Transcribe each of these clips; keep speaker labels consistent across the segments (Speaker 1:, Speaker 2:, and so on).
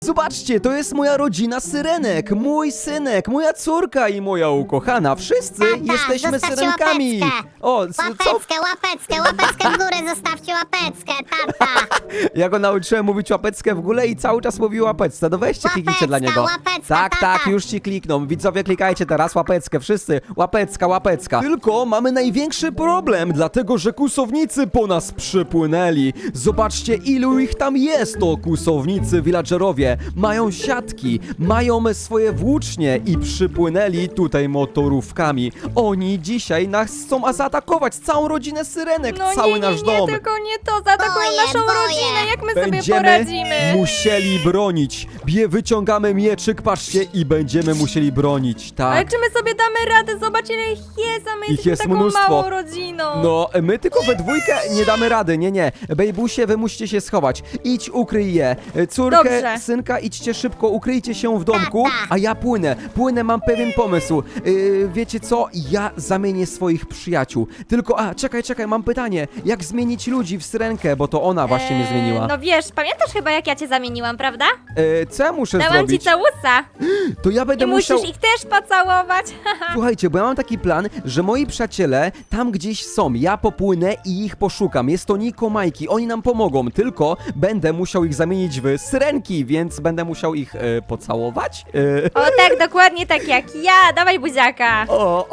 Speaker 1: Zobaczcie, to jest moja rodzina syrenek, mój synek, moja córka i moja ukochana. Wszyscy jesteśmy
Speaker 2: zostawcie
Speaker 1: syrenkami.
Speaker 2: łapeczkę.
Speaker 1: O, co?
Speaker 2: Łapeczkę w górę, zostawcie łapeczkę, tata.
Speaker 1: Ja go nauczyłem mówić łapeczkę w górę i cały czas mówi łapeczkę. No weźcie, kliknijcie dla niego.
Speaker 2: Łapeczka,
Speaker 1: Tak,
Speaker 2: tata.
Speaker 1: tak, już ci klikną. Widzowie, klikajcie teraz łapeczkę, wszyscy. Łapeczka. Tylko mamy największy problem, dlatego że kłusownicy po nas przypłynęli. Zobaczcie, ilu ich tam jest, to kłusownicy, villagerowie. Mają siatki, mają swoje włócznie i przypłynęli tutaj motorówkami. Oni dzisiaj nas chcą zaatakować, całą rodzinę syrenek,
Speaker 3: No
Speaker 1: cały
Speaker 3: nie,
Speaker 1: nasz
Speaker 3: nie,
Speaker 1: dom.
Speaker 3: tylko nie to, zaatakują
Speaker 2: Boję,
Speaker 3: naszą
Speaker 2: boję.
Speaker 3: rodzinę, jak my sobie
Speaker 1: Będziemy
Speaker 3: poradzimy?
Speaker 1: musieli bronić. Wyciągamy mieczyk, patrzcie, i będziemy musieli bronić,
Speaker 3: Ale
Speaker 1: tak.
Speaker 3: czy my sobie damy radę? Zobacz, ile ich jest, a my jesteśmy
Speaker 1: jest
Speaker 3: taką
Speaker 1: mnóstwo.
Speaker 3: małą rodziną.
Speaker 1: No, my tylko we dwójkę nie damy rady, nie. Bejbusie, wy musicie się schować. Idź, ukryj je. Córkę,
Speaker 3: Dobrze.
Speaker 1: synka, idźcie szybko, ukryjcie się w domku,
Speaker 2: Tata.
Speaker 1: a ja płynę, mam pewien pomysł. Wiecie co? Ja zamienię swoich przyjaciół. Tylko, czekaj, mam pytanie. Jak zmienić ludzi w syrenkę, bo to ona właśnie mnie zmieniła.
Speaker 3: No wiesz, pamiętasz chyba, jak ja cię zamieniłam, prawda?
Speaker 1: Co ja muszę
Speaker 3: Dałam ci
Speaker 1: zrobić?
Speaker 3: całusa
Speaker 1: To ja
Speaker 3: i
Speaker 1: będę
Speaker 3: musisz
Speaker 1: musiał...
Speaker 3: ich też pocałować.
Speaker 1: Słuchajcie, bo ja mam taki plan, że moi przyjaciele tam gdzieś są, ja popłynę i ich poszukam. Jest to Niko, Majki, oni nam pomogą, tylko będę musiał ich zamienić w syrenki, więc będę musiał ich pocałować.
Speaker 3: O tak, dokładnie tak jak ja, dawaj buziaka.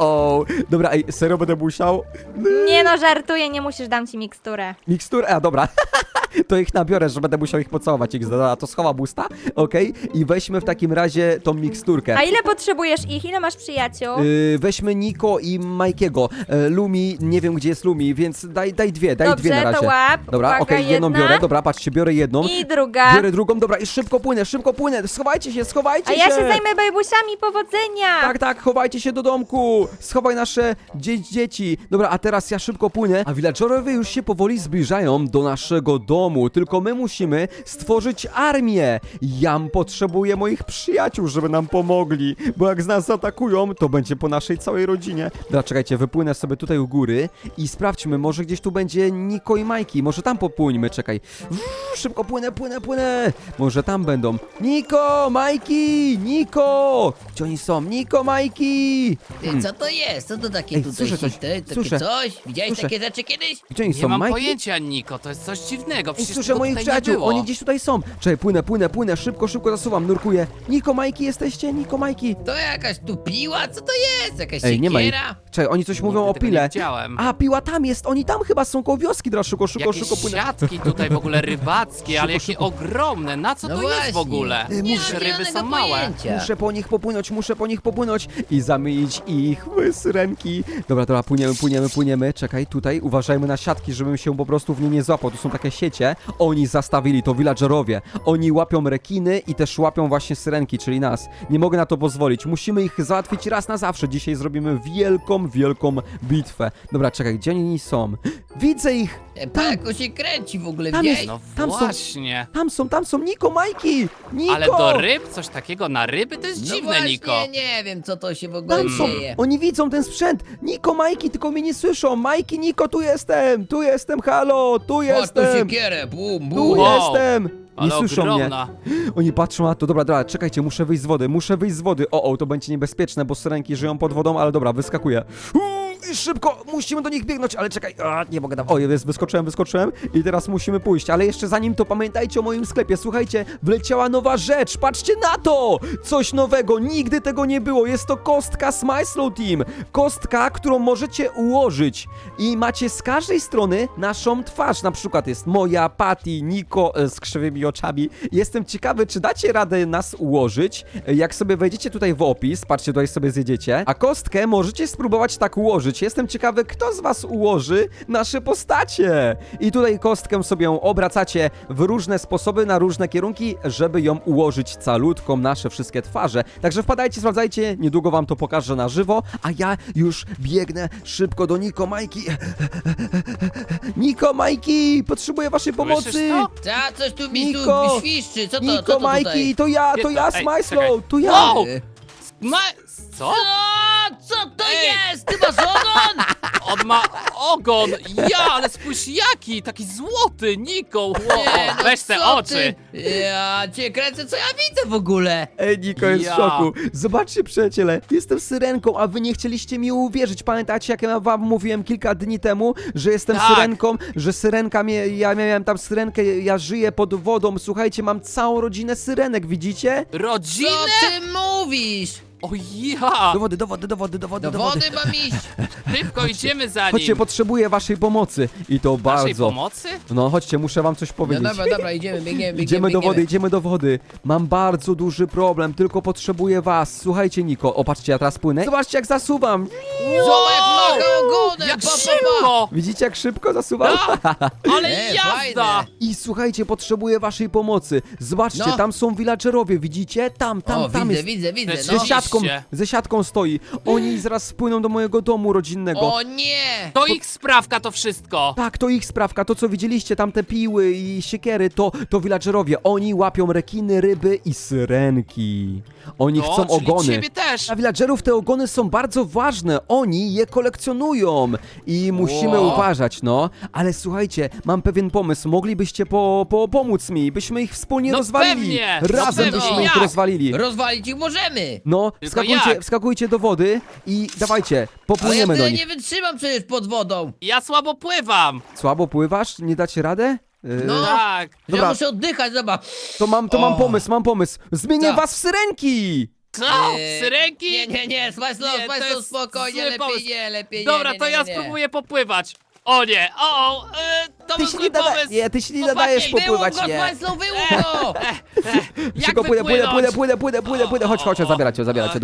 Speaker 1: Dobra, serio będę musiał?
Speaker 3: Nie no, żartuję, nie musisz, dam ci miksturę.
Speaker 1: Miksturę, dobra. To ich nabiorę, że będę musiał ich pocałować. Dobra, to schowam usta, okej? I weźmy w takim razie tą miksturkę.
Speaker 3: A ile potrzebujesz ich? Ile masz przyjaciół?
Speaker 1: Weźmy Niko i Majkiego. Lumi, nie wiem gdzie jest Lumi, więc daj dwie na
Speaker 3: Dobrze,
Speaker 1: razie.
Speaker 3: to łap.
Speaker 1: Dobra,
Speaker 3: Uwaga,
Speaker 1: okej, jedną
Speaker 3: jedna.
Speaker 1: biorę, dobra, patrzcie, biorę jedną.
Speaker 3: I druga.
Speaker 1: Biorę drugą, dobra, i szybko płynę, schowajcie się.
Speaker 3: A ja się zajmę bejbusiami, powodzenia.
Speaker 1: Tak, chowajcie się do domku, schowaj nasze dzieci. Dobra, a teraz ja szybko płynę, a villagerowie już się powoli zbliżają do naszego domu, tylko my musimy stworzyć armię. Ja potrzebuję moich przyjaciół, żeby nam pomogli, bo jak z nas zaatakują, to będzie po naszej całej rodzinie. Dobra, czekajcie, wypłynę sobie tutaj u góry i sprawdźmy, może gdzieś tu będzie Niko i Majki, może tam popłyńmy, czekaj. Szybko płynę. Może tam będą. Niko, Majki, Niko! Gdzie oni są? Niko, Majki!
Speaker 4: Ty, co to jest? Co to takie
Speaker 1: Ej,
Speaker 4: tutaj
Speaker 1: słyszę coś,
Speaker 4: hity? Takie
Speaker 1: słyszę.
Speaker 4: coś? Widziałeś
Speaker 1: Słyszę.
Speaker 4: takie rzeczy kiedyś?
Speaker 1: Gdzie oni
Speaker 5: Nie
Speaker 1: są?
Speaker 5: mam
Speaker 1: Majki?
Speaker 5: pojęcia, Niko, to jest coś dziwnego,
Speaker 1: Ej,
Speaker 5: przecież
Speaker 1: słyszę
Speaker 5: tego
Speaker 1: moich
Speaker 5: tutaj nie
Speaker 1: przyjaciół,
Speaker 5: było.
Speaker 1: oni gdzieś tutaj są. Czekaj, płynę, szybko zasuwam, nurkuję. Niko, Majki, jesteście? Niko, Majki.
Speaker 4: To jakaś tu piła? Co to jest? Jakaś
Speaker 1: Ej, nie ma ich.
Speaker 4: siekiera?
Speaker 1: Czekaj, oni coś mówią o
Speaker 5: tego nie
Speaker 1: pile.
Speaker 5: widziałem.
Speaker 1: A, piła tam jest, oni tam chyba są koło wioski, dobra, szybko
Speaker 5: Jakieś
Speaker 1: płynę.
Speaker 5: siatki tutaj w ogóle rybackie, ale
Speaker 1: Szybko,
Speaker 5: jakie ogromne, na co
Speaker 4: No
Speaker 5: to jest
Speaker 4: właśnie.
Speaker 5: w ogóle?
Speaker 4: Nie
Speaker 1: muszę-
Speaker 4: mam
Speaker 5: Ryby
Speaker 4: zielonego
Speaker 5: są małe.
Speaker 4: pojęcia.
Speaker 1: Muszę po nich popłynąć i zamienić ich w syrenki. Dobra, płyniemy. Czekaj, tutaj uważajmy na siatki, żebym się po prostu w nie nie złapał. Tu są takie siecie. Oni zastawili to villagerowie. Oni łapią rekiny i też łapią właśnie syrenki, czyli nas. Nie mogę na to pozwolić. Musimy ich załatwić raz na zawsze. Dzisiaj zrobimy wielką bitwę. Dobra, czekaj, gdzie oni są? Widzę ich!
Speaker 4: Pako się kręci w ogóle,
Speaker 1: Tam
Speaker 4: widziałeś?
Speaker 1: jest-
Speaker 5: No
Speaker 1: Tam są-
Speaker 5: właśnie.
Speaker 1: Tam są Niko, Majki! Niko!
Speaker 5: Ale do ryb? Coś takiego na ryby? To jest
Speaker 4: No
Speaker 5: dziwne,
Speaker 4: właśnie,
Speaker 5: Niko.
Speaker 4: nie wiem co to się w ogóle
Speaker 1: Tam są,
Speaker 4: dzieje.
Speaker 1: oni widzą ten sprzęt. Niko, Majki, tylko mnie nie słyszą. Majki, Niko, tu jestem, halo, tu
Speaker 4: Chodź tu
Speaker 1: jestem.
Speaker 4: siekierę, bum,
Speaker 1: Tu
Speaker 4: bum.
Speaker 5: Wow.
Speaker 1: jestem! Nie
Speaker 5: Ale
Speaker 1: słyszą
Speaker 5: ogromna.
Speaker 1: mnie. Oni patrzą na to. Dobra, czekajcie, muszę wyjść z wody. O, to będzie niebezpieczne, bo syrenki żyją pod wodą, ale dobra, wyskakuję. I szybko, musimy do nich biegnąć, ale czekaj, nie mogę tam. O, wyskoczyłem i teraz musimy pójść, ale jeszcze zanim to pamiętajcie o moim sklepie. Słuchajcie, wleciała nowa rzecz, patrzcie na to! Coś nowego, nigdy tego nie było, jest to kostka Smyslow Team. Kostka, którą możecie ułożyć i macie z każdej strony naszą twarz, na przykład jest moja, Patty, Niko z krzywymi oczami. Jestem ciekawy, czy dacie radę nas ułożyć. Jak sobie wejdziecie tutaj w opis, patrzcie, tutaj sobie zjedziecie, a kostkę możecie spróbować tak ułożyć. Jestem ciekawy, kto z was ułoży nasze postacie. I tutaj kostkę sobie obracacie w różne sposoby, na różne kierunki, żeby ją ułożyć calutką, nasze wszystkie twarze. Także wpadajcie, sprawdzajcie, niedługo wam to pokażę na żywo, a ja już biegnę szybko do Niko, Majki. Niko, Majki, potrzebuję waszej pomocy.
Speaker 5: Słyszysz to?
Speaker 4: Co? Coś tu mi
Speaker 1: Niko,
Speaker 4: tu świszczy, co to
Speaker 1: Niko, Majki,
Speaker 4: tutaj?
Speaker 1: to ja,
Speaker 5: Ej,
Speaker 1: Smyslow,
Speaker 5: czekaj.
Speaker 1: to ja.
Speaker 5: Wow!
Speaker 4: Y,
Speaker 5: Ma... Co?
Speaker 4: Co to jest? Ty masz ogon?
Speaker 5: On ma ogon! Ja, ale spójrz jaki! Taki złoty, Niko! Wow.
Speaker 4: Nie, no
Speaker 5: Weź te
Speaker 4: co
Speaker 5: oczy!
Speaker 4: ty? Ja cię kręcę, co ja widzę w ogóle?
Speaker 1: Ej, Niko jest
Speaker 5: Ja.
Speaker 1: w szoku. Zobaczcie, przyjaciele, jestem syrenką, a wy nie chcieliście mi uwierzyć. Pamiętacie, jak ja wam mówiłem kilka dni temu, że jestem
Speaker 5: Tak.
Speaker 1: syrenką, że syrenka ja miałem tam syrenkę, ja żyję pod wodą. Słuchajcie, mam całą rodzinę syrenek, widzicie?
Speaker 5: Rodzinę?
Speaker 4: Co ty mówisz?
Speaker 5: O ja!
Speaker 1: Do wody, do wody, do wody, do wody,
Speaker 4: Do
Speaker 1: do wody.
Speaker 4: wody mam iść.
Speaker 5: Szybko idziemy za
Speaker 1: Chodźcie,
Speaker 5: nim!
Speaker 1: potrzebuję waszej pomocy. I to
Speaker 5: Naszej
Speaker 1: bardzo.
Speaker 5: pomocy?
Speaker 1: No, chodźcie, muszę wam coś
Speaker 4: No
Speaker 1: powiedzieć.
Speaker 4: dobra, idziemy, biegniemy.
Speaker 1: Idziemy do wody, idziemy do wody. Mam bardzo duży problem, tylko potrzebuję was. Słuchajcie, Niko, o patrzcie, ja teraz płynę. Zobaczcie, jak zasuwam.
Speaker 4: Zobacz, jak macha ogonem,
Speaker 5: Jak
Speaker 4: pa, pa, pa.
Speaker 5: szybko!
Speaker 1: Widzicie, jak szybko zasuwam?
Speaker 5: Ale jazda!
Speaker 4: fajne.
Speaker 1: I słuchajcie, potrzebuję waszej pomocy. Zobaczcie,
Speaker 4: No.
Speaker 1: tam są villagerowie, widzicie? Tam
Speaker 4: O,
Speaker 1: jest.
Speaker 4: widzę,
Speaker 5: To jest
Speaker 4: no.
Speaker 1: Ze siatką stoi. Oni zaraz spłyną do mojego domu rodzinnego.
Speaker 4: O nie!
Speaker 5: To ich sprawka to wszystko!
Speaker 1: Tak, to ich sprawka, to co widzieliście, tam te piły i siekiery, to villagerowie. Oni łapią rekiny, ryby i syrenki. Oni
Speaker 5: No,
Speaker 1: chcą
Speaker 5: czyli
Speaker 1: ogony.
Speaker 5: ciebie też!
Speaker 1: Dla villagerów te ogony są bardzo ważne, oni je kolekcjonują i musimy
Speaker 4: Wow.
Speaker 1: uważać, no. Ale słuchajcie, mam pewien pomysł, moglibyście pomóc mi, byśmy ich wspólnie
Speaker 5: No
Speaker 1: rozwalili.
Speaker 5: pewnie, no
Speaker 1: Razem
Speaker 5: pewnie,
Speaker 1: byśmy ich
Speaker 5: jak?
Speaker 1: rozwalili.
Speaker 4: Rozwalić ich możemy!
Speaker 1: No,
Speaker 5: Tylko jak?
Speaker 1: wskakujcie do wody i dawajcie,
Speaker 4: Ale ja
Speaker 1: popłyniemy do
Speaker 4: tyle
Speaker 1: nich.
Speaker 4: nie wytrzymam przecież pod wodą!
Speaker 5: Ja słabo pływam!
Speaker 1: Słabo pływasz? Nie dacie radę?
Speaker 4: No.
Speaker 5: Tak!
Speaker 1: Dobra.
Speaker 4: Ja muszę oddychać, zobacz!
Speaker 1: To mam
Speaker 4: O.
Speaker 1: pomysł. Zmienię
Speaker 4: Co?
Speaker 1: was w syrenki!
Speaker 5: Co?
Speaker 4: Eee,
Speaker 5: Syrenki?
Speaker 4: Nie, Smajslow,
Speaker 5: Nie, to jest
Speaker 4: spokojnie,
Speaker 5: zły
Speaker 4: lepiej
Speaker 5: pomysł.
Speaker 4: nie, lepiej nie.
Speaker 5: Dobra,
Speaker 4: nie,
Speaker 5: to
Speaker 4: nie,
Speaker 5: ja
Speaker 4: nie.
Speaker 5: spróbuję popływać. O nie, to
Speaker 1: Ty
Speaker 5: był
Speaker 1: się
Speaker 5: zły
Speaker 1: nie
Speaker 5: pomysł.
Speaker 1: nie, ty się nie
Speaker 5: Chłopaki,
Speaker 1: nadajesz
Speaker 5: wyłów
Speaker 1: popływać,
Speaker 4: Wyłów go,
Speaker 1: nie.
Speaker 4: Smajslow, wyłów go!
Speaker 5: Jak
Speaker 1: Szybko płynę.
Speaker 5: wypłynąć?
Speaker 1: Chodź, zabieracie do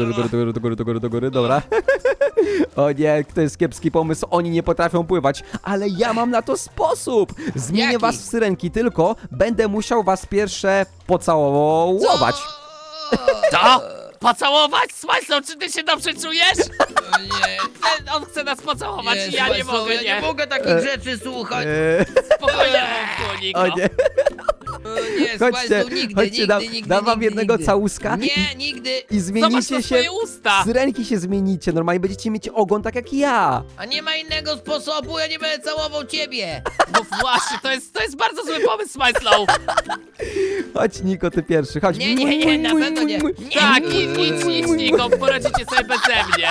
Speaker 1: góry, dobra. O nie, to jest kiepski pomysł, oni nie potrafią pływać, ale ja mam na to sposób. Zmienię
Speaker 4: Jaki?
Speaker 1: was w syrenki, tylko będę musiał was pierwsze pocałować.
Speaker 5: Co? Pocałować? Smajslow, czy ty się dobrze czujesz?
Speaker 4: Nie,
Speaker 5: On chce nas pocałować i ja nie
Speaker 4: Smajslow,
Speaker 5: mogę,
Speaker 4: ja nie mogę takich rzeczy słuchać.
Speaker 5: Spokojnie, Niko.
Speaker 1: O nie.
Speaker 4: Nie,
Speaker 1: Chodźcie,
Speaker 4: Smajslow, nigdy,
Speaker 1: dam wam jednego całuska
Speaker 4: Nie, nigdy.
Speaker 1: i
Speaker 5: Zobacz
Speaker 1: zmienicie
Speaker 5: na
Speaker 1: się.
Speaker 5: swoje usta.
Speaker 1: Syrenki się zmienicie, normalnie będziecie mieć ogon tak jak ja.
Speaker 4: A nie ma innego sposobu, ja nie będę całował ciebie.
Speaker 5: No właśnie, to jest bardzo zły pomysł, Smajslow.
Speaker 1: Chodź, Niko, ty pierwszy, chodź.
Speaker 4: Nie, na pewno nie.
Speaker 5: Tak, idź, Niko, poradzicie sobie beze mnie.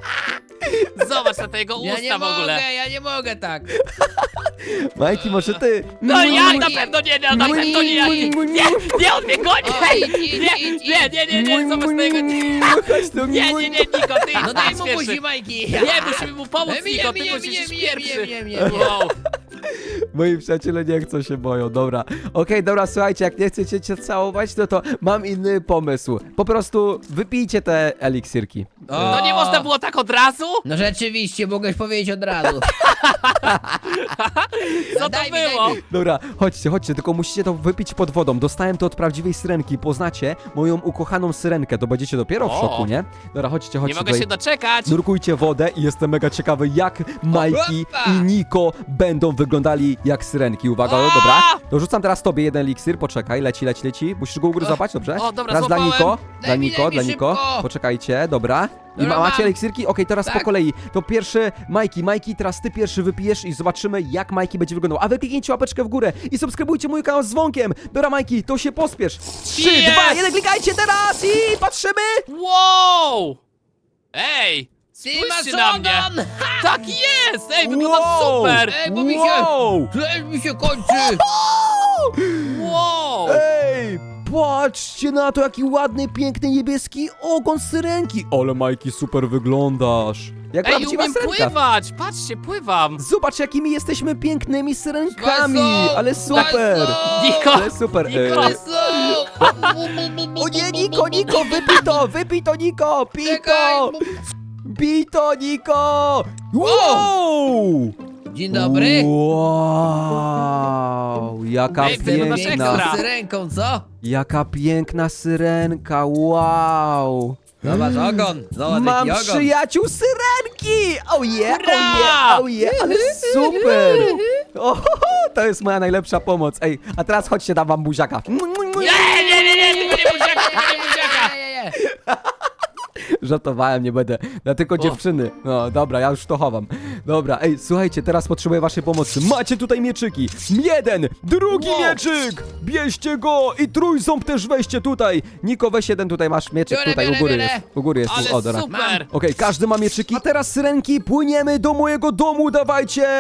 Speaker 5: Zobacz na te jego
Speaker 4: Ja
Speaker 5: usta
Speaker 4: nie
Speaker 5: w ogóle.
Speaker 4: mogę, ja nie mogę tak.
Speaker 1: Majki, może ty.
Speaker 5: No ja
Speaker 4: nie.
Speaker 5: na pewno nie, na pewno nie, nie, on mnie goni!
Speaker 4: O,
Speaker 5: Nie, zobacz na jego...
Speaker 1: Chodź tu.
Speaker 5: Nie, Niko, ty
Speaker 4: No
Speaker 5: idź
Speaker 4: daj
Speaker 5: idź
Speaker 4: mu
Speaker 5: pierwszy.
Speaker 4: buzi, Majki.
Speaker 5: Nie, musimy mu pomóc, Niko, ty musisz iść pierwszy. Wow.
Speaker 1: Moi przyjaciele nie chcą się boją, dobra. Okej, dobra, słuchajcie, jak nie chcecie cię całować, no to mam inny pomysł. Po prostu wypijcie te eliksirki.
Speaker 5: No nie można było tak od razu?
Speaker 4: No rzeczywiście, mogłeś powiedzieć od razu.
Speaker 5: Co to
Speaker 4: Daj mi,
Speaker 5: było?
Speaker 4: daj mi.
Speaker 1: Dobra, chodźcie, tylko musicie to wypić pod wodą. Dostałem to od prawdziwej syrenki. Poznacie moją ukochaną syrenkę, to będziecie dopiero w
Speaker 5: O.
Speaker 1: szoku, nie? Dobra, chodźcie.
Speaker 5: Nie mogę
Speaker 1: tutaj.
Speaker 5: się doczekać.
Speaker 1: Nurkujcie wodę i jestem mega ciekawy, jak Majki
Speaker 4: Opa!
Speaker 1: i Niko będą wyglądali jak syrenki. Uwaga, no dobra. Dorzucam teraz tobie jeden eliksir, poczekaj, leci. Musisz go ugryzować, dobrze?
Speaker 5: O, dobra,
Speaker 1: Teraz dla
Speaker 5: złapałem.
Speaker 1: Niko,
Speaker 4: Daj mi
Speaker 1: dla Niko.
Speaker 4: szybko.
Speaker 1: Poczekajcie, dobra. I
Speaker 4: Dobra,
Speaker 1: macie
Speaker 4: mam.
Speaker 1: eliksirki? Okej, teraz po
Speaker 4: Tak.
Speaker 1: kolei. To pierwszy Majki, teraz ty pierwszy wypijesz i zobaczymy, jak Majki będzie wyglądał. A wy kliknijcie łapeczkę w górę i subskrybujcie mój kanał z dzwonkiem. Dobra, Majki, to się pospiesz. 3,
Speaker 5: Jest!
Speaker 1: 2, 1, klikajcie teraz i patrzymy.
Speaker 5: Wow! Ej!
Speaker 4: Ty masz
Speaker 5: Spójrzcie na mnie!
Speaker 4: ogon!
Speaker 5: Tak jest! Ej, wygląda
Speaker 1: Wow!
Speaker 5: super!
Speaker 4: Ej, bo mi się...
Speaker 1: Wow!
Speaker 4: Ej, mi się kończy!
Speaker 5: Wow!
Speaker 1: Ej, patrzcie na to, jaki ładny, piękny, niebieski ogon syrenki. Ale Majki, super wyglądasz. Jak
Speaker 5: Ej,
Speaker 1: prawdziwa
Speaker 5: umiem
Speaker 1: syrenka.
Speaker 5: pływać! Patrzcie, pływam!
Speaker 1: Zobacz, jakimi jesteśmy pięknymi syrenkami.
Speaker 4: Smajslow,
Speaker 1: Ale super.
Speaker 4: Smajslow!
Speaker 5: Niko!
Speaker 1: Ale super.
Speaker 5: Niko!
Speaker 4: Smajslow!
Speaker 1: O nie, Niko, wypij to, Niko, pij
Speaker 4: Czekaj,
Speaker 1: to. Pij to, Niko. Wow.
Speaker 4: Dzień dobry.
Speaker 1: Wow, jaka
Speaker 5: Ej, wyglądasz
Speaker 1: piękna.
Speaker 5: ekstra.
Speaker 4: Z ręką, co?
Speaker 1: Jaka piękna syrenka, wow.
Speaker 4: Zobacz ogon. Zobacz
Speaker 1: Mam
Speaker 4: jaki ogon.
Speaker 1: przyjaciół syrenki! Oh yeah,
Speaker 5: Hurra!
Speaker 1: oh yeah, ale super! O, to jest moja najlepsza pomoc. Ej, a teraz chodźcie, dam wam buziaka.
Speaker 5: Nie, tylko nie buziaka, tylko nie buziaka!
Speaker 4: Nie.
Speaker 1: Żartowałem, nie będę. Ja tylko dziewczyny. No dobra, ja już to chowam. Dobra, ej, słuchajcie, teraz potrzebuję waszej pomocy. Macie tutaj mieczyki. Jeden, drugi
Speaker 4: Wow.
Speaker 1: mieczyk. Bierzcie go i trójząb też weźcie tutaj. Niko, weź jeden, tutaj masz mieczyk,
Speaker 4: Biorę,
Speaker 1: tutaj
Speaker 4: biorę,
Speaker 1: u góry
Speaker 4: biorę.
Speaker 1: jest. U góry jest,
Speaker 5: Ale
Speaker 1: o, dobra.
Speaker 5: super!
Speaker 1: Okej, każdy ma mieczyki. A teraz, syrenki, płyniemy do mojego domu, dawajcie,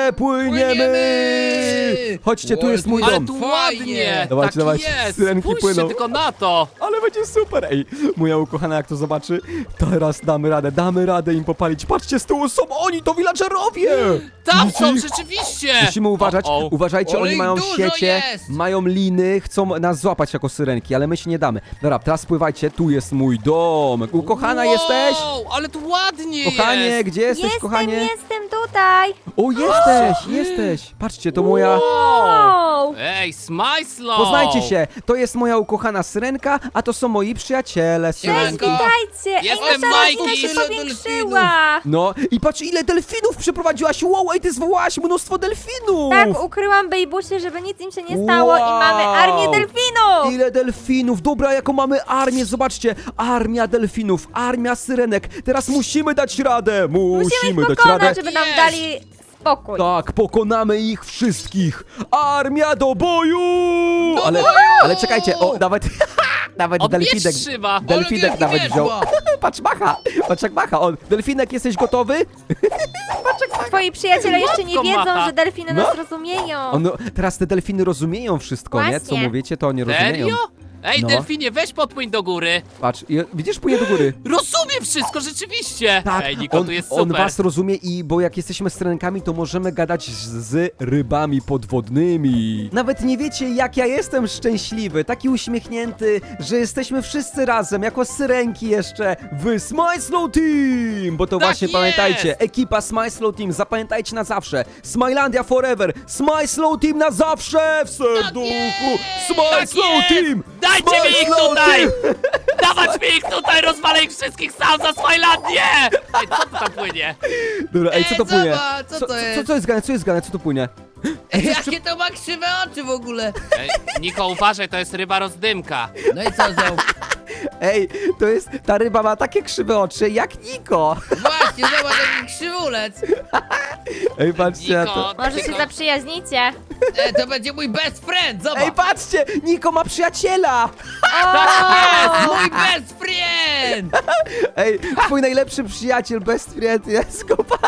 Speaker 1: płyniemy. Chodźcie, tu jest mój
Speaker 5: Ale
Speaker 1: dom.
Speaker 5: tu
Speaker 4: Fajnie.
Speaker 5: ładnie!
Speaker 1: Dawajcie,
Speaker 5: Tak
Speaker 1: dawajcie,
Speaker 5: jest!
Speaker 1: syrenki
Speaker 5: Spójrzcie
Speaker 1: płyną.
Speaker 5: tylko na to!
Speaker 1: Ale będzie super, ej. Moja ukochana jak to zobaczy, teraz damy radę im popalić. Patrzcie, z tyłu są oni, to villagerowie!
Speaker 5: Tam są,
Speaker 1: Widzicie ich?
Speaker 5: rzeczywiście!
Speaker 1: Musimy uważać,
Speaker 5: O, o.
Speaker 1: uważajcie,
Speaker 4: Ale
Speaker 1: oni
Speaker 4: ich
Speaker 1: mają
Speaker 4: dużo
Speaker 1: siecie,
Speaker 4: jest!
Speaker 1: mają liny, chcą nas złapać jako syrenki, ale my się nie damy. Dobra, teraz pływajcie, tu jest mój domek. Ukochana
Speaker 5: Wow,
Speaker 1: jesteś?
Speaker 5: ale tu ładnie
Speaker 1: Kochanie,
Speaker 5: jest!
Speaker 1: gdzie jesteś, kochanie?
Speaker 3: Jestem tutaj.
Speaker 1: O, jesteś! Patrzcie, to moja...
Speaker 3: Wow.
Speaker 5: Ej, Smajslow!
Speaker 1: Poznajcie się, to jest moja ukochana syrenka, a to są moi przyjaciele,
Speaker 3: Cześć,
Speaker 1: syrenki.
Speaker 3: witajcie.
Speaker 5: Jestem
Speaker 3: nasza rodzina
Speaker 5: Majki.
Speaker 3: się
Speaker 4: Tyle
Speaker 3: powiększyła.
Speaker 1: No i patrz, ile delfinów przyprowadziłaś, wow, ej, ty zwołałaś mnóstwo delfinów!
Speaker 3: Tak, ukryłam bejbusie, żeby nic im się nie stało i
Speaker 1: Wow.
Speaker 3: mamy armię delfinów.
Speaker 1: Ile delfinów! Dobra, jaką mamy armię! Zobaczcie! Armia delfinów, armia syrenek! Teraz musimy dać radę!
Speaker 3: Musimy ich
Speaker 1: dać
Speaker 3: pokonać,
Speaker 1: radę!
Speaker 3: żeby nam
Speaker 5: Jest.
Speaker 3: dali spokój.
Speaker 1: Tak, pokonamy ich wszystkich! Armia do boju! Ale czekajcie, o, nawet... Nawet
Speaker 5: Odbierz
Speaker 1: delfinek...
Speaker 5: szyba!
Speaker 1: Delfinek
Speaker 4: wielki
Speaker 1: nawet
Speaker 4: wiesz,
Speaker 1: wziął.
Speaker 4: bo.
Speaker 1: Patrz, macha! O, delfinek, jesteś gotowy?
Speaker 3: Twoi przyjaciele jeszcze nie
Speaker 5: Matko
Speaker 3: wiedzą,
Speaker 5: macha.
Speaker 3: że delfiny
Speaker 1: No.
Speaker 3: nas rozumieją.
Speaker 1: No, teraz te delfiny rozumieją wszystko, nie? Co
Speaker 3: Właśnie.
Speaker 1: mówicie, to oni rozumieją.
Speaker 5: Serio? Ej,
Speaker 1: No.
Speaker 5: delfinie, weź podpłyń do góry!
Speaker 1: Patrz, widzisz, płynie do góry.
Speaker 5: Rozumiem wszystko, rzeczywiście!
Speaker 1: Tak,
Speaker 5: Ej, Niko, tu jest super!
Speaker 1: on was rozumie i bo jak jesteśmy syrenkami, to możemy gadać z rybami podwodnymi. Nawet nie wiecie, jak ja jestem szczęśliwy, taki uśmiechnięty, że jesteśmy wszyscy razem, jako syrenki jeszcze w Smajslow Team! Bo to
Speaker 5: Tak
Speaker 1: właśnie
Speaker 5: jest!
Speaker 1: pamiętajcie, ekipa Smajslow Team, zapamiętajcie na zawsze. Smilandia forever, Smajslow Team na zawsze w serduchu! Smajslow
Speaker 5: Tak jest!
Speaker 1: Team!
Speaker 5: Dajcie mi ich
Speaker 1: Smajslow
Speaker 5: tutaj!
Speaker 1: Team!
Speaker 5: Dawać mi ich tutaj, rozwalę ich wszystkich sam za Smilandię! Ej, co tu tam płynie?
Speaker 1: Dobra, ej, co to płynie?
Speaker 4: zobacz, co to jest?
Speaker 1: Co jest grane, co jest grane, co to płynie?
Speaker 4: Ej, jakie to ma krzywe oczy w ogóle?
Speaker 5: Ej, Niko, uważaj, to jest ryba rozdymka.
Speaker 4: No i co z nią?
Speaker 1: Ej, to jest, ta ryba ma takie krzywe oczy jak Niko.
Speaker 4: Właśnie, zobacz, jaki krzywulec.
Speaker 1: Ej, patrzcie na
Speaker 5: Niko,
Speaker 1: to.
Speaker 3: Może się zaprzyjaźnicie.
Speaker 4: To będzie mój best friend, zobacz.
Speaker 1: Ej, patrzcie, Niko ma przyjaciela.
Speaker 4: Mój best friend!
Speaker 1: Ej, twój najlepszy przyjaciel, best friend jest kopa.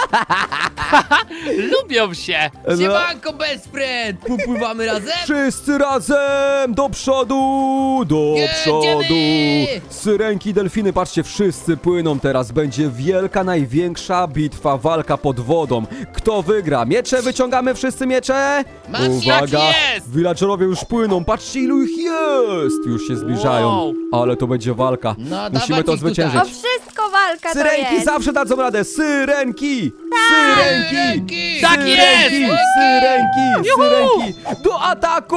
Speaker 5: lubią się.
Speaker 4: Siemanko, best friend! Popływamy razem?
Speaker 1: Wszyscy razem, do przodu, do
Speaker 4: Jedziemy!
Speaker 1: przodu. Syrenki, delfiny, patrzcie, wszyscy płyną teraz. Będzie wielka, największa bitwa, walka pod wodą. Kto wygra? Miecze wyciągamy, wszyscy miecze?
Speaker 4: Mam
Speaker 1: Uwaga,
Speaker 5: tak jest!
Speaker 1: villagerowie już płyną, patrzcie ilu ich jest. Już się zbliżają,
Speaker 5: Wow.
Speaker 1: ale to będzie walka.
Speaker 4: No,
Speaker 1: Musimy
Speaker 4: dawać
Speaker 1: to
Speaker 4: ich tutaj.
Speaker 1: zwyciężyć.
Speaker 3: O wszystko walka to
Speaker 1: Syrenki
Speaker 3: jest.
Speaker 1: zawsze dadzą radę! Syrenki! Syrenki!
Speaker 4: Syrenki!
Speaker 5: Tak jest!
Speaker 1: Syrenki! Syrenki! Do ataku!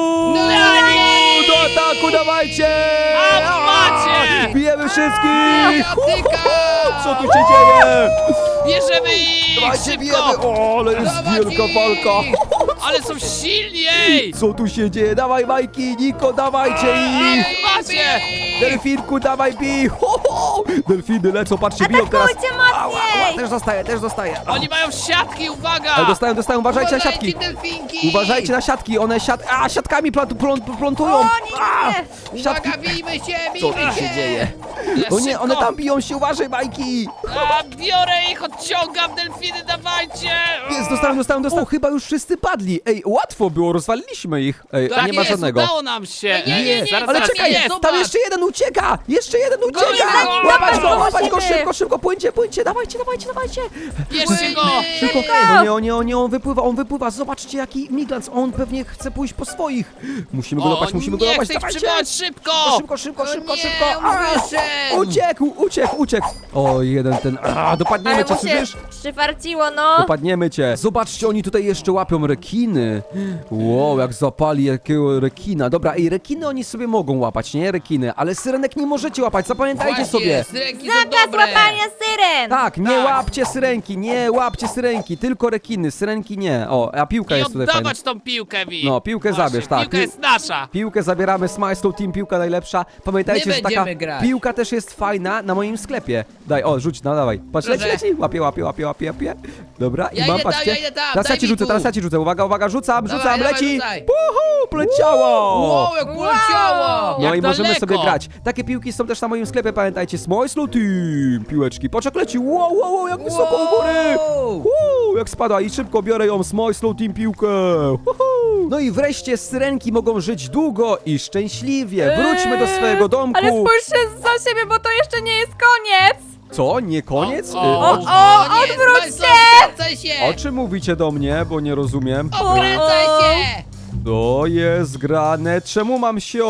Speaker 1: Do ataku, dawajcie!
Speaker 5: A, macie!
Speaker 1: Bijemy wszystkich!
Speaker 4: Patyka!
Speaker 1: Co tu się dzieje?
Speaker 5: Bierzemy ich
Speaker 1: Dawajcie, bijemy!
Speaker 5: szybko!
Speaker 1: O, ale jest
Speaker 4: Dawać
Speaker 1: wielka
Speaker 4: ich!
Speaker 1: walka!
Speaker 5: Ale są silniej!
Speaker 1: Co tu się dzieje? Dawaj, Majki, Niko, dawajcie ich!
Speaker 5: Macie!
Speaker 1: Delfinku, dawaj, bij! Ho, ho! Delfiny lecą, patrzcie, biją teraz!
Speaker 3: Atakujcie mocniej!
Speaker 1: Też dostaję!
Speaker 5: Oni mają siatki, uwaga!
Speaker 1: Ale dostają, uważajcie na siatki!
Speaker 4: delfinki!
Speaker 1: Uważajcie na siatki, one siatkami plątują!
Speaker 3: O nie, nie!
Speaker 1: Siatki!
Speaker 4: Uwaga, bijmy się,
Speaker 1: Co
Speaker 4: bijmy
Speaker 1: tu się dzieje?
Speaker 5: Ja
Speaker 1: O nie,
Speaker 5: szybko.
Speaker 1: one tam biją się, uważaj, Majki!
Speaker 5: A, biorę ich, odciągam, delfiny, dawajcie!
Speaker 1: Jest, dostałem. O, chyba już wszyscy padli. Ej, łatwo było, rozwaliliśmy ich. Ej,
Speaker 5: Tak
Speaker 1: nie ma
Speaker 5: jest,
Speaker 1: żadnego.
Speaker 5: udało nam się!
Speaker 4: Nie,
Speaker 5: zaraz,
Speaker 1: Ale
Speaker 5: zaraz,
Speaker 1: czekaj,
Speaker 5: jest!
Speaker 1: tam
Speaker 4: zobacz.
Speaker 1: jeszcze jeden ucieka! Jeszcze jeden ucieka!
Speaker 5: go,
Speaker 1: Łapać go,
Speaker 3: musimy.
Speaker 1: szybko, płyńcie, dawajcie!
Speaker 5: Bierzcie go!
Speaker 1: Szybko! O nie, on wypływa, zobaczcie jaki miglans, on pewnie chce pójść po swoich. Musimy go
Speaker 5: O,
Speaker 1: łapać,
Speaker 5: nie, chcę ich
Speaker 1: dawajcie!
Speaker 5: przywołać szybko!
Speaker 1: Szybko!
Speaker 4: Nie, wyszedł.
Speaker 1: Uciekł! O, jeden ten, dopadniemy
Speaker 3: Ale
Speaker 1: cię,
Speaker 3: mu się
Speaker 1: słyszysz?
Speaker 3: przyfarciło, no.
Speaker 1: Dopadniemy cię. Zobaczcie, oni tutaj jeszcze łapią rekiny. Wow, jak zapali jakiego rekina. Dobra, i rekiny oni sobie mogą łapać, nie? Rekiny, ale syrenek nie możecie łapać, zapamiętajcie
Speaker 4: Właśnie,
Speaker 1: sobie.
Speaker 4: syrenki są
Speaker 3: Zakaz
Speaker 4: dobre.
Speaker 3: łapania syren!
Speaker 1: Tak, nie
Speaker 5: Tak.
Speaker 1: łapcie syrenki, tylko rekiny, syrenki nie. O, a piłka
Speaker 5: I
Speaker 1: jest tutaj fajna.
Speaker 5: oddawać tą piłkę mi!
Speaker 1: No, piłkę
Speaker 5: Właśnie,
Speaker 1: zabierz, tak.
Speaker 5: Piłka jest nasza!
Speaker 1: Piłkę zabieramy, Smile Team, piłka najlepsza. Pamiętajcie,
Speaker 4: My
Speaker 1: że taka
Speaker 4: będziemy grać.
Speaker 1: piłka też jest fajna na moim sklepie. Daj, o, rzuć, no dawaj. Patrz, leci,
Speaker 4: Proszę.
Speaker 1: leci. Łapie. Dobra,
Speaker 4: Ja
Speaker 1: i mam,
Speaker 4: idę tam,
Speaker 1: patrzcie.
Speaker 4: ja idę tam,
Speaker 1: Teraz
Speaker 4: daj
Speaker 1: ja ci
Speaker 4: mi
Speaker 1: rzucę,
Speaker 4: tu.
Speaker 1: teraz ja ci rzucę. Uwaga, rzucam,
Speaker 4: Dawaj,
Speaker 1: leci.
Speaker 4: rzucaj.
Speaker 1: Puhu, poleciało.
Speaker 4: Wow, jak poleciało!
Speaker 1: No
Speaker 5: Jak
Speaker 1: i możemy
Speaker 5: daleko.
Speaker 1: sobie grać. Takie piłki są też na moim sklepie, pamiętajcie. Small Slow Team. Piłeczki. Patrz jak leci. Wow, jak wysoko u góry. Jak spada i szybko biorę ją. Small Slow Team piłkę. Uhu. No i wreszcie syrenki mogą żyć długo i szczęśliwie. Wróćmy do swojego domku.
Speaker 3: Ale spójrzcie za siebie, bo to jeszcze nie jest koniec.
Speaker 1: Co? Nie koniec?
Speaker 5: O,
Speaker 4: nie,
Speaker 3: odwróć
Speaker 4: Smajslow, Skręcaj się!
Speaker 1: O czym mówicie do mnie? Bo nie rozumiem.
Speaker 4: Okręcaj się!
Speaker 1: To jest grane. Czemu mam się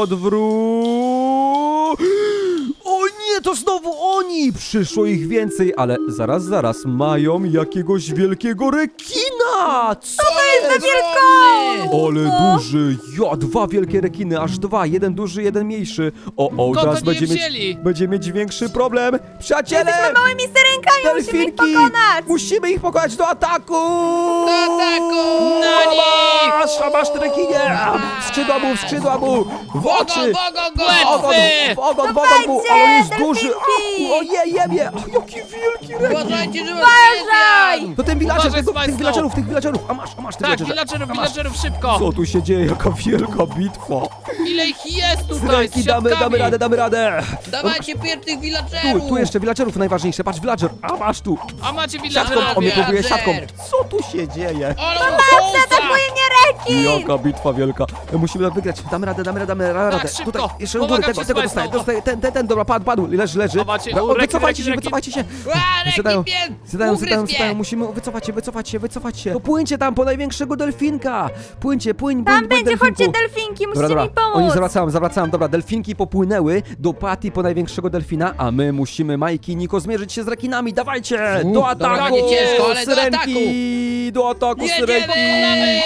Speaker 1: O nie, to znowu oni! Przyszło ich więcej, ale zaraz, mają jakiegoś wielkiego rekina! Co to jest?
Speaker 4: Ogromny!
Speaker 1: Ale duży! Ja, 2 wielkie rekiny, aż 2. Jeden duży, jeden mniejszy. O,
Speaker 5: Skąd
Speaker 1: teraz
Speaker 5: oni je
Speaker 1: będzie
Speaker 5: wzięli?
Speaker 1: będzie mieć większy problem. Przyjaciele!
Speaker 3: Jesteśmy małymi syrenkami, musimy ich
Speaker 1: Delfinki!
Speaker 3: pokonać.
Speaker 1: Musimy ich pokonać do ataku!
Speaker 4: Do ataku!
Speaker 5: Na nich!
Speaker 1: Masz te rekinie! Skrzydła mu! W oczy!
Speaker 5: Łatwy!
Speaker 1: W ogon,
Speaker 3: Dawajcie,
Speaker 1: ale on jest
Speaker 3: delfinki!
Speaker 1: duży! Ojej, jebie! Jaki wielki rekin!
Speaker 4: Uważajcie, że was
Speaker 3: Uważaj!
Speaker 1: To ten villager,
Speaker 5: Uważaj,
Speaker 1: tych
Speaker 5: Smajslow!
Speaker 1: villagerów! A masz tych
Speaker 5: Tak,
Speaker 1: villagerze!
Speaker 5: villagerów, szybko!
Speaker 1: Co tu się dzieje? Jaka wielka bitwa!
Speaker 5: Ile ich jest tutaj
Speaker 1: Syrenki,
Speaker 5: z
Speaker 1: damy
Speaker 5: siatkami?
Speaker 1: radę!
Speaker 4: Dawajcie pierwszych villagerów!
Speaker 1: Tu jeszcze villagerów najważniejsze, patrz villager! A masz tu!
Speaker 5: A macie
Speaker 1: Siatką,
Speaker 5: villagerów?
Speaker 1: on mnie próbuje
Speaker 4: villager.
Speaker 1: siatką! Co tu się dzieje?
Speaker 4: Ale
Speaker 3: Atakuje mnie rekin!
Speaker 1: Jaka bitwa wielka! Musimy wygrać, damy radę!
Speaker 5: szybko.
Speaker 1: Tutaj, jeszcze u góry,
Speaker 5: Pomagam ci,
Speaker 1: tego
Speaker 5: Smajslow.
Speaker 1: dostaję, ten, dobra, padł, leży.
Speaker 5: A macie,
Speaker 1: No,
Speaker 5: rekin,
Speaker 1: wycofajcie się,
Speaker 5: rekin.
Speaker 1: wycofajcie się!
Speaker 4: rekin
Speaker 1: Zadają, musimy wycofać się. To płyńcie tam po największego delfinka! Płyń,
Speaker 3: Tam będzie,
Speaker 1: delfinku.
Speaker 3: chodźcie delfinki, musicie
Speaker 1: Dobra,
Speaker 3: mi pomóc.
Speaker 1: oni zawracałem, dobra, delfinki popłynęły do Patty po największego delfina, a my musimy, Majki i Niko, zmierzyć się z rekinami, dawajcie! Do
Speaker 4: dobra,
Speaker 1: ataku!
Speaker 4: nie ciężko, ale do
Speaker 1: syrenki! Do ataku, syrenki!
Speaker 4: Jedziemy!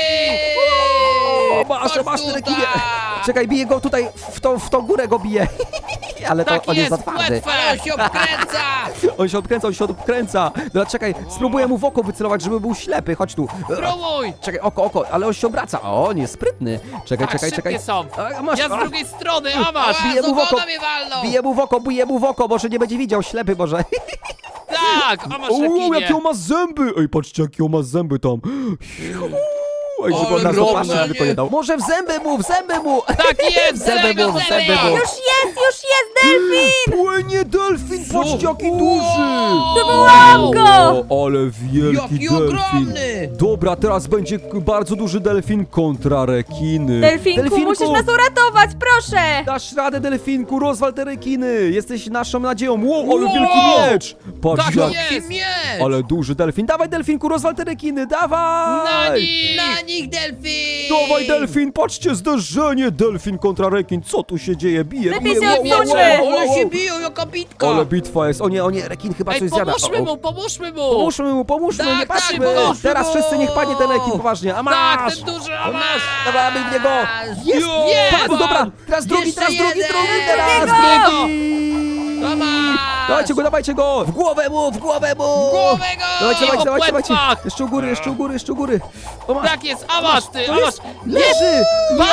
Speaker 1: O, masz te rekinie! Czekaj, biję go tutaj, w tą górę go biję. Ale to
Speaker 5: Tak
Speaker 1: on jest za
Speaker 5: jest,
Speaker 1: twardy.
Speaker 4: Ale on się obkręca!
Speaker 1: On się odkręca. Dobra, czekaj, spróbuję mu w oko wycelować, żeby był ślepy, chodź tu.
Speaker 5: Próbuj!
Speaker 1: Czekaj, oko, ale on się obraca. O, on jest sprytny. Czekaj.
Speaker 5: Tak, szybkie są.
Speaker 1: A, masz,
Speaker 5: Ja z drugiej strony, a masz!
Speaker 1: Bije mu w oko.
Speaker 4: mnie walną!
Speaker 1: Bije mu w oko, może nie będzie widział, ślepy może.
Speaker 5: Tak, a masz
Speaker 1: Uuu,
Speaker 5: rekinie!
Speaker 1: jakie on ma zęby! Ej, patrzcie, jakie on ma zęby tam. Ej, żeby on
Speaker 4: Ale
Speaker 1: nas
Speaker 4: równe,
Speaker 1: zobaczyć, żeby to nie dał. Może w zęby mu!
Speaker 5: Tak jest!
Speaker 1: Zęby
Speaker 5: zęby,
Speaker 1: mu,
Speaker 5: zęby.
Speaker 1: zęby mu.
Speaker 3: Już jest delfin!
Speaker 1: Płynie delfin, patrzcie, jaki duży!
Speaker 3: Wywołałam go!
Speaker 1: O, ale wielki
Speaker 4: Jaki
Speaker 1: delfin.
Speaker 4: ogromny!
Speaker 1: Dobra, teraz będzie bardzo duży delfin kontra rekiny.
Speaker 3: Delfinku, musisz nas uratować, proszę!
Speaker 1: Dasz radę, delfinku, rozwal te rekiny! Jesteś naszą nadzieją. Wow, ale
Speaker 4: Wow!
Speaker 1: wielki miecz! Patrz
Speaker 5: Tak
Speaker 1: jak...
Speaker 5: jest.
Speaker 4: Jaki miecz!
Speaker 1: Ale duży delfin. Dawaj, delfinku, rozwal te rekiny, dawaj!
Speaker 5: Na nich!
Speaker 4: Na nich delfin!
Speaker 1: Dawaj, delfin, patrzcie, zderzenie! Delfin kontra rekin, co tu się dzieje? Bije,
Speaker 3: Lepiej
Speaker 1: bije,
Speaker 3: się odsuńmy.
Speaker 4: Ale się biją, jaka bitka!
Speaker 1: Ale bitwa jest, o nie, rekin chyba
Speaker 5: Ej,
Speaker 1: coś zjada.
Speaker 5: pomóżmy mu!
Speaker 1: Pomóżmy,
Speaker 4: Tak,
Speaker 1: nie
Speaker 4: tak,
Speaker 1: patrzmy!
Speaker 4: pomóżmy
Speaker 1: Teraz
Speaker 4: mu.
Speaker 1: wszyscy niech padnie ten rekin, poważnie, a
Speaker 5: Tak,
Speaker 1: masz!
Speaker 5: ten duży, a
Speaker 1: A
Speaker 5: masz!
Speaker 1: masz! Dobra, bij w niego! Jest!
Speaker 5: Jest!
Speaker 1: Padł, dobra! Teraz drugi,
Speaker 4: Jeszcze
Speaker 1: teraz drugi,
Speaker 4: jeden!
Speaker 1: teraz
Speaker 5: Drugiego!
Speaker 1: drugi!
Speaker 4: Tomasz!
Speaker 1: Dawajcie go! W głowę mu!
Speaker 4: Głowę go!
Speaker 1: Dawajcie!
Speaker 5: płetwach!
Speaker 1: Jeszcze u góry! O, masz!
Speaker 5: Tak jest, a masz ty, a masz!
Speaker 1: Leży!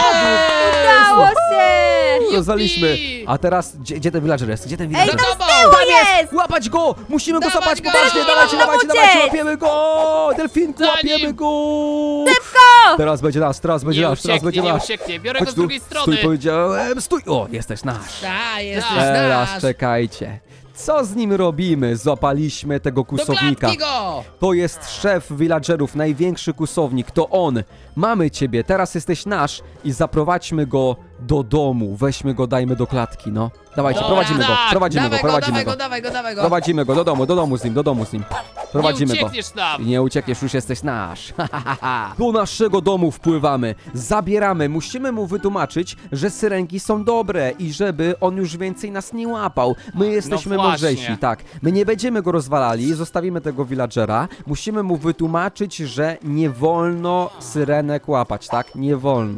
Speaker 3: Udało się!
Speaker 1: Rozwaliśmy! A teraz, gdzie ten villager jest? Gdzie ten
Speaker 3: Ej,
Speaker 1: villager?
Speaker 3: tam z tyłu jest!
Speaker 1: Łapać go! Musimy go
Speaker 4: Dawaj
Speaker 1: złapać
Speaker 4: go!
Speaker 1: poważnie! Dawajcie,
Speaker 3: Delfin,
Speaker 1: dawajcie,
Speaker 3: uciec!
Speaker 1: łapiemy go! Delfinku,
Speaker 5: Za
Speaker 1: łapiemy
Speaker 5: nim!
Speaker 1: go!
Speaker 3: Szybko!
Speaker 1: Teraz będzie nasz, teraz będzie nasz.
Speaker 5: Nie ucieknie, biorę go
Speaker 1: Chodź
Speaker 5: z
Speaker 1: tu,
Speaker 5: drugiej strony!
Speaker 1: stój, powiedziałem, stój! O, jesteś nasz!
Speaker 4: Tak, jesteś
Speaker 1: Teraz
Speaker 4: nasz!
Speaker 1: czekajcie. Co z nim robimy? Złapaliśmy tego
Speaker 4: Do
Speaker 1: kusownika.
Speaker 4: klatki go!
Speaker 1: To jest szef villagerów, największy kusownik, to on. Mamy ciebie, teraz jesteś nasz i zaprowadźmy go do domu. Weźmy go, dajmy do klatki, no. Dawajcie,
Speaker 5: Dobra,
Speaker 1: prowadzimy go,
Speaker 5: tak.
Speaker 1: prowadzimy go, prowadzimy go.
Speaker 4: Dawaj go!
Speaker 1: Prowadzimy go, do domu z nim. Prowadzimy
Speaker 5: Nie
Speaker 1: go.
Speaker 5: uciekniesz nam!
Speaker 1: Nie uciekniesz, już jesteś nasz. Do naszego domu wpływamy, zabieramy, musimy mu wytłumaczyć, że syrenki są dobre i żeby on już więcej nas nie łapał. My jesteśmy
Speaker 5: właśnie.
Speaker 1: mądrzejsi, tak. My nie będziemy go rozwalali, zostawimy tego villagera. Musimy mu wytłumaczyć, że nie wolno syrenek łapać, tak? Nie wolno.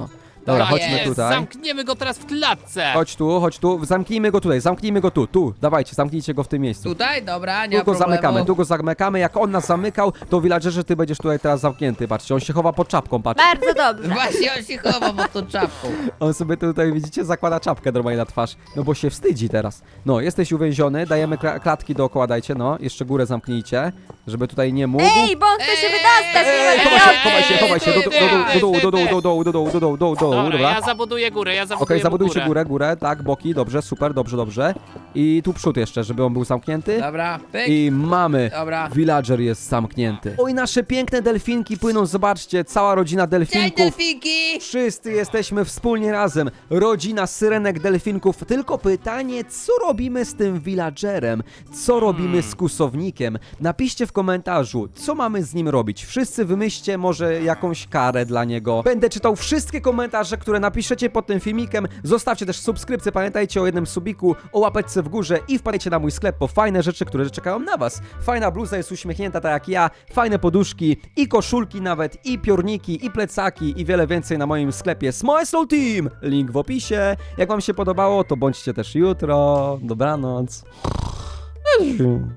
Speaker 1: Dobra,
Speaker 4: Tak
Speaker 1: chodźmy
Speaker 4: jest,
Speaker 1: tutaj.
Speaker 5: Zamkniemy go teraz w klatce.
Speaker 1: Chodź tu, zamknijmy go tutaj, tu, dawajcie, zamknijcie go w tym miejscu.
Speaker 4: Tutaj, dobra, nie
Speaker 1: Tu
Speaker 4: ma
Speaker 1: go zamykamy,
Speaker 4: problemu.
Speaker 1: tu go zamykamy, jak on nas zamykał, to villagerze, ty będziesz tutaj teraz zamknięty, patrzcie, on się chowa pod czapką, patrz.
Speaker 3: Bardzo dobrze.
Speaker 4: Właśnie on się chowa pod tą czapką.
Speaker 1: On sobie tutaj, widzicie, zakłada czapkę normalnie na twarz, no bo się wstydzi teraz. No, jesteś uwięziony, dajemy klatki dookoła, dajcie, no, jeszcze górę zamknijcie, żeby tutaj nie mógł.
Speaker 3: Ej, bo on chce się wydostać, nie
Speaker 1: Ej,
Speaker 3: ma
Speaker 1: chowaj się,
Speaker 3: pieniędzy.
Speaker 1: do dołu,
Speaker 5: Dobra,
Speaker 1: dobra.
Speaker 5: ja zabuduję górę, ja zabuduję
Speaker 1: Okej,
Speaker 5: mu
Speaker 1: zabudujcie
Speaker 5: górę.
Speaker 1: górę, tak, boki, dobrze, super, dobrze. I tu przód jeszcze, żeby on był zamknięty.
Speaker 4: Dobra, pyk.
Speaker 1: I mamy.
Speaker 4: Dobra.
Speaker 1: Villager jest zamknięty. Oj, nasze piękne delfinki płyną, zobaczcie, cała rodzina
Speaker 4: Cześć,
Speaker 1: delfinków.
Speaker 4: delfinki!
Speaker 1: Wszyscy jesteśmy wspólnie razem. Rodzina syrenek delfinków. Tylko pytanie, co robimy z tym villagerem? Co robimy z kusownikiem? Napiszcie w komentarzu, co mamy z nim robić. Wszyscy wymyślcie może jakąś karę dla niego. Będę czytał wszystkie komentarze, które napiszecie pod tym filmikiem. Zostawcie też subskrypcję, pamiętajcie o jednym subiku, o łapeczce w górze i wpadajcie na mój sklep po fajne rzeczy, które czekają na was. Fajna bluza jest uśmiechnięta tak jak ja, fajne poduszki i koszulki nawet, i piórniki, i plecaki i wiele więcej na moim sklepie Smile Slow Team. Link w opisie. Jak wam się podobało, to bądźcie też jutro. Dobranoc.